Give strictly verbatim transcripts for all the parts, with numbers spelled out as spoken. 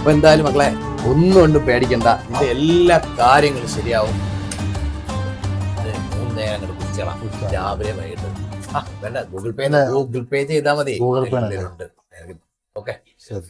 അപ്പൊ എന്തായാലും മക്കളെ ഒന്നും കൊണ്ടും പേടിക്കണ്ട, നിന്റെ എല്ലാ കാര്യങ്ങളും ശരിയാവും. മൂന്ന് നേരം അങ്ങോട്ട് കുടിച്ചോളാം, രാവിലെ വൈകിട്ട്. ആ വേണ്ട, ഗൂഗിൾ പേ ഗൂഗിൾ പേ ചെയ്താൽ മതി. ഗൂഗിൾ പേ ഉണ്ട്. ഓക്കെ ശരി.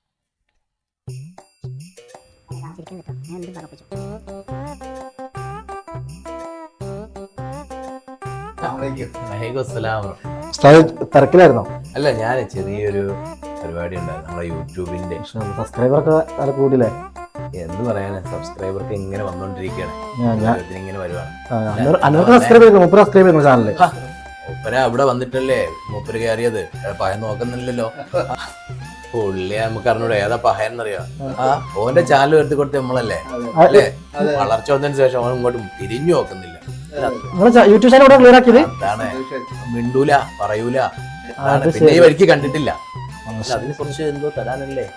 തിരക്കിലായിരുന്നോ? അല്ല, ഞാൻ ചെറിയൊരു പരിപാടി ഉണ്ടായിരുന്നു നമ്മുടെ യൂട്യൂബിന്റെ. സബ്സ്ക്രൈബറൊക്കെ നല്ല കൂടില്ലേ? എന്ത് പറയാനാ, സബ്സ്ക്രൈബർക്ക് ഇങ്ങനെ വന്നോണ്ടിരിക്കുകയാണ്, ഇങ്ങനെ വരുവാണ്. ചാനല് മൂപ്പര അവിടെ വന്നിട്ടല്ലേ മൂപ്പര് കയറിയത്, പഹൻ നോക്കുന്നില്ലല്ലോ. പുള്ളിയെ നമുക്ക് അറിഞ്ഞൂടെ ഏതാ പഹൻ എന്നറിയാം. ആ ഓന്റെ ചാനൽ വരുത്തി കൊടുത്ത് നമ്മളല്ലേ അല്ലേ? വളർച്ച വന്നതിന് ശേഷം അവൻ ഇങ്ങോട്ടും തിരിഞ്ഞു നോക്കുന്നില്ല. യൂട്യൂബ് ചാനൽ ക്ലിയർ ആക്കിയത് അതാണ്, മിണ്ടൂല പറയൂല. പിന്നെ ഈ വരിക്ക് കണ്ടിട്ടില്ല. അതിനെ കുറിച്ച് എന്തോ തരാനല്ലേ?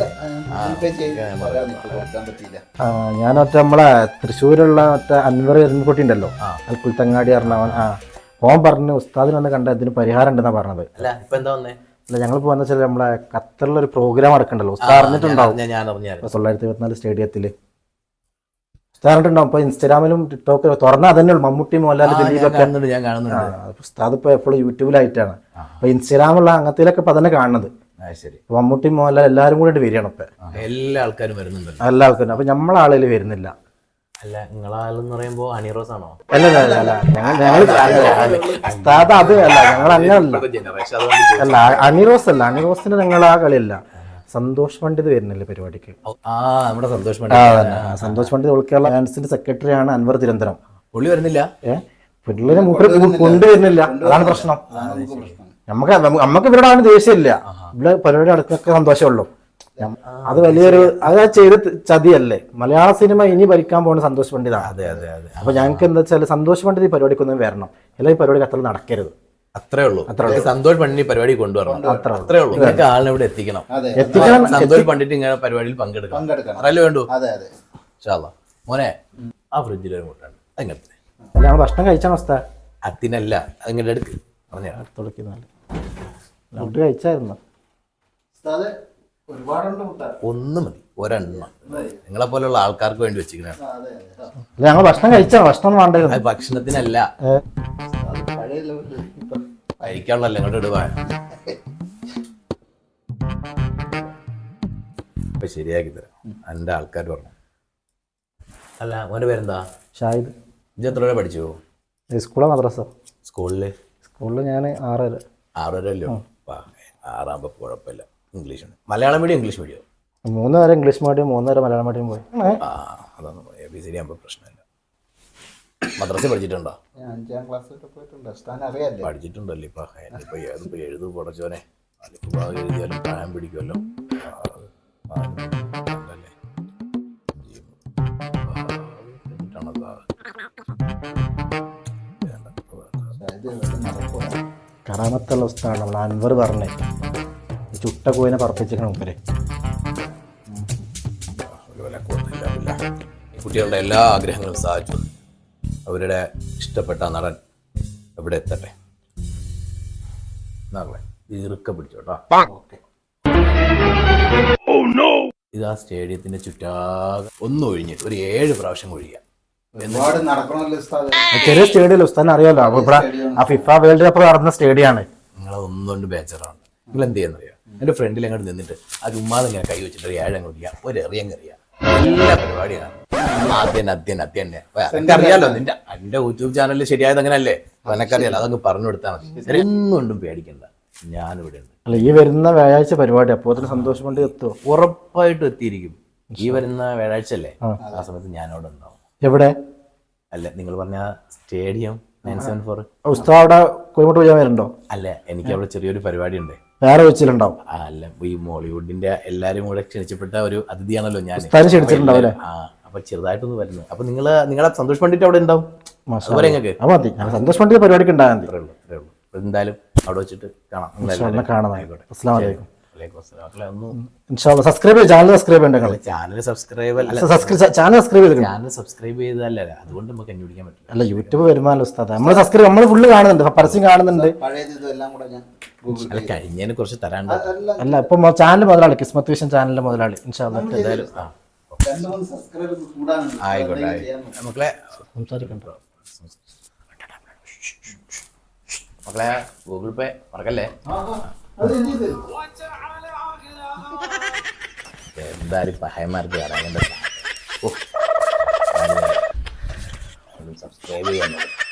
ഞാൻ ഒറ്റ നമ്മളെ തൃശ്ശൂരുള്ള ഒറ്റ അൻവർ എരുമക്കുട്ടി ഉണ്ടല്ലോ, അൽക്കുൽത്തങ്ങാടി പറഞ്ഞവൻ. ആ ഓൻ പറഞ്ഞു ഉസ്താദിന് വന്ന് കണ്ട ഇതിന് പരിഹാരം ഉണ്ടെന്നാ പറഞ്ഞത്. അല്ല ഇപ്പൊ എന്താ വന്നേ? അല്ല ഞങ്ങളിപ്പോ വന്ന വെച്ചാൽ നമ്മളെ ഖത്തറിലൊരു പ്രോഗ്രാം നടക്കണ്ടല്ലോ, ഉസ്താദ് അറിഞ്ഞിട്ടുണ്ടാവും. തൊള്ളായിരത്തി ഇരുപത്തിനാല് സ്റ്റേഡിയത്തില് ഉസ്താദ് അറിഞ്ഞിട്ടുണ്ടാവും. ഇപ്പൊ ഇൻസ്റ്റാഗ്രാമിലും ടിക്ടോക്കിലും തുറന്നാൽ അതന്നെ മമ്മൂട്ടി മോഹൻലാൽ ദിലീപൊക്കെ. ഉസ്താദ് ഇപ്പൊ എപ്പോഴും യൂട്യൂബിലായിട്ടാണ്. അപ്പൊ ഇൻസ്റ്റാഗ്രാമുള്ള അങ്ങനത്തിലൊക്കെ ഇപ്പൊ തന്നെ കാണുന്നത്. മമ്മൂട്ടി മോഹൻലാൽ എല്ലാരും കൂടി വരികയാണ് ഇപ്പൊ. എല്ലാ ആൾക്കാരും വരുന്നുണ്ട്, എല്ലാ ആൾക്കാരും. അപ്പൊ നമ്മളെ ആളുകൾ വരുന്നില്ല. അല്ല നിങ്ങളാളെന്ന് പറയുമ്പോ അണിറോസ് ആണോ? അല്ല അല്ല അല്ല ഞങ്ങൾ ഉസ്താദ് അത് അല്ല, ഞങ്ങൾ അങ്ങനല്ല. അല്ല അണിറോസ് അല്ല, അണിറോസിന് ഞങ്ങൾ ആ കളിയല്ല. സന്തോഷ് പണ്ഡിത് വരുന്നില്ല പരിപാടിക്ക്. നമ്മുടെ സന്തോഷ് പണ്ഡിത് സന്തോഷ് പണ്ഡിത് ഓൾ കേരള ഡാൻസിന്റെ സെക്രട്ടറി ആണ് അൻവർ തിരുവനന്തപുരം. പുള്ളി വരുന്നില്ല. ഏഹ് പിള്ളേരെ മൂപ്പര് കൊണ്ടുവരുന്നില്ല, അതാണ് പ്രശ്നം. നമുക്ക് നമുക്ക് ഇവരുടെ ആണ് ദേഷ്യമില്ല, ഇവിടെ പരിപാടി നടക്കുന്നൊക്കെ സന്തോഷമുള്ളൂ. അത് വലിയൊരു അത് ചെയ്ത് ചതിയല്ലേ. മലയാള സിനിമ ഇനി ഭരിക്കാൻ പോകുന്ന സന്തോഷ് പണ്ഡിതാണ്. അതെ അതെ അതെ. അപ്പൊ ഞങ്ങൾക്ക് എന്താ വെച്ചാൽ സന്തോഷ് പണ്ഡിത് ഈ പരിപാടിക്കൊന്നും വരണം, എല്ലാ ഈ പരിപാടി അത്ര നടക്കരുത്. അത്രേ ഉള്ളൂ. സന്തോഷ് പണ്ഡിറ്റ് പരിപാടി കൊണ്ടുവരണം, അത്രേ ഉള്ളൂ. നിങ്ങൾക്ക് ആളിനെ ഇവിടെ എത്തിക്കണം, എത്തിക്കണം. സന്തോഷ് പണ്ഡിറ്റ് ഇങ്ങനെ പരിപാടിയിൽ പങ്കെടുക്കണം, അതല്ലേ വേണ്ടു. മോനെ ആ ഫ്രിഡ്ജിൽ ഒരു മുട്ടാണ് അങ്ങനത്തെ. ഞങ്ങൾ ഭക്ഷണം കഴിച്ചാണ് അവസ്ഥ. അതിനല്ല അതിങ്ങനെ എടുക്ക് പറഞ്ഞ ഫുഡ് കഴിച്ചായിരുന്നു. ഒന്ന് മതി, ഒരെണ്ണം നിങ്ങളെ പോലെയുള്ള ആൾക്കാർക്ക് വേണ്ടി വെച്ചിരിക്കണ. ഞങ്ങൾ ഭക്ഷണം കഴിച്ചാ, ഭക്ഷണം വേണ്ട. ഭക്ഷണത്തിനല്ല, കഴിക്കാനുള്ളല്ലേ. ഇങ്ങോട്ട് ഇടുവാ ഇപ്പൊ ശരിയാക്കി തരാം. എന്റെ ആൾക്കാർ പറഞ്ഞു. അല്ല മോന്റെ പേരെന്താ? ഷാഹിദ്. ഇത് എത്ര വരെ പഠിച്ചു? സ്കൂളോ മദ്രസ? സ്കൂളില് സ്കൂളിൽ ഞാൻ ആറര. ആറരല്ലോ. ആറാകുമ്പോ കുഴപ്പമില്ല. English Malayalam medium English medium? മൂന്ന് വരെ ഇംഗ്ലീഷ് മീഡിയം, മൂന്നര മലയാളം മീഡിയം പോയി. ആ അതാണ് എ ബി സി ഡി ആകുമ്പോൾ പ്രശ്നമില്ല. മദ്രസ പഠിച്ചിട്ടുണ്ടോ? അഞ്ചാം ക്ലാസ് പഠിച്ചിട്ടുണ്ടല്ലേ? ഇപ്പൊ ഇപ്പൊ ഏതിപ്പോ എഴുതു പൊടച്ചോനെ, അതിപ്പോ എഴുതിയാലും പ്രായം പിടിക്കുമല്ലോ. കറാമത്തുള്ള ഉസ്താദാണ് നമ്മൾ അൻവർ പറഞ്ഞേ. ചുട്ട കോയിനെ പറപ്പിച്ചിരിക്കണം മുപ്പര്. കുട്ടികളുടെ എല്ലാ ആഗ്രഹങ്ങളും സാധിച്ചു. അവരുടെ ഇഷ്ടപ്പെട്ട നടൻ എവിടെ എത്തട്ടെ. ഈർക്ക പിടിച്ചോട്ടോ. ഇത് ആ സ്റ്റേഡിയത്തിന്റെ ചുറ്റാകെ ഒന്ന് ഒഴിഞ്ഞിട്ട് ഒരു ഏഴ് പ്രാവശ്യം ഒഴിയുക. ചെറിയ സ്റ്റേഡിയം ഉസ്താദിനെ അറിയാലോ. ഇവിടെ ആ ഫിഫ വേൾഡ് കപ്പ് നടന്ന സ്റ്റേഡിയമാണ്. നിങ്ങളെ ഒന്നുകൊണ്ട് ബേച്ചറാണ്. നിങ്ങൾ എന്ത് ചെയ്യാന്നറിയാം? എന്റെ ഫ്രണ്ടിൽ അങ്ങോട്ട് നിന്നിട്ട് ആ ചുമ്മാതെ ഇങ്ങനെ കൈ വെച്ചിട്ട് ഒരു ഏഴങ്ങ് ഒഴിയാം, ഒരു എറിയങ്ങറിയാം. എല്ലാ പരിപാടിയാണ് ആദ്യം അദ്യം അദ്യം തന്നെ. എനിക്കറിയാലോ, നിന്റെ എന്റെ യൂട്യൂബ് ചാനലിൽ ശരിയായത് അങ്ങനല്ലേ, എനക്കറിയാലോ. അതങ്ങ് പറഞ്ഞു കൊടുത്താൽ മതി. ഒന്നും പേടിക്കണ്ട, ഞാനിവിടെ ഉണ്ട്. അല്ല ഈ വരുന്ന വ്യാഴാഴ്ച പരിപാടി അപ്പോ സന്തോഷം കൊണ്ട് എത്തുമോ? ഉറപ്പായിട്ടും എത്തിയിരിക്കും. ഈ വരുന്ന വ്യാഴാഴ്ച അല്ലേ, ആ സമയത്ത് ഞാനവിടെ ഉണ്ടാവും. എവിടെ? അല്ല നിങ്ങൾ പറഞ്ഞ സ്റ്റേഡിയം നയൻ സെവൻ ഫോർ. ഉസ്താദ് അവിടെ കോഴിക്കോട്ട് പോയാൽ വരുന്നുണ്ടോ? അല്ല എനിക്ക് അവിടെ ചെറിയൊരു പരിപാടി ഉണ്ട്. വേറെ വെച്ചിട്ടുണ്ടാവും. അല്ല ഈ മോളിവുഡിന്റെ എല്ലാരും കൂടെ ക്ഷണിച്ചപ്പെട്ട ഒരു അതിഥിയാണല്ലോ ഞാൻ. ക്ഷണിച്ചിട്ടുണ്ടാവില്ലേ? ആ അപ്പൊ ചെറുതായിട്ടൊന്ന് വരുന്നു. അപ്പൊ നിങ്ങള് നിങ്ങളെ സന്തോഷ് പണ്ഡിറ്റ് അവിടെ ഉണ്ടാവും. സന്തോഷ് പണ്ഡിറ്റ് പരിപാടിക്ക് ഉണ്ടാകാൻ എന്തായാലും അവിടെ വെച്ചിട്ട് കാണാം. കാണാം. അസ്സലാമു അലൈക്കും. മക്കളെ ഒന്നും ഇൻഷാല്ലാ സബ്സ്ക്രൈബ് ചെയ്ത് ചാനൽ സബ്സ്ക്രൈബ് ചെയ്യണ്ട നിങ്ങൾ. ചാനൽ സബ്സ്ക്രൈബ് അല്ല ചാനൽ സബ്സ്ക്രൈബ് ചെയ്ത് ചാനൽ സബ്സ്ക്രൈബ് ചെയ്തതല്ല അതുകൊണ്ട് നമുക്ക് കണ്ടുപിടിക്കാൻ പറ്റില്ല. അല്ല യൂട്യൂബ് വരുമാനല്ലോ ഉസ്താദ്, നമ്മൾ സബ്സ്ക്രൈബ് നമ്മൾ ഫുള്ള് കാണുന്നുണ്ട്, പരസ്യം കാണുന്നുണ്ട്. അല്ല കഴിഞ്ഞതിനെ കുറിച്ച് തരാണ്ട് അല്ല ഇപ്പൊ ചാനൽ മുതലാളി കിസ്മത്ത് വിഷൻ ചാനലിന്റെ മുതലാളി ഇൻഷാല്ലാ എന്തായാലും ആ ആയിക്കോട്ടെ മക്കളെ സംസാരിക്കണ്ടോ. മക്കളെ ഗൂഗിൾ പേ മറക്കല്ലേ. എന്തായാലും പഹയന്മാർക്ക് വരാനുണ്ട്. സബ്സ്ക്രൈബ് ചെയ്യാൻ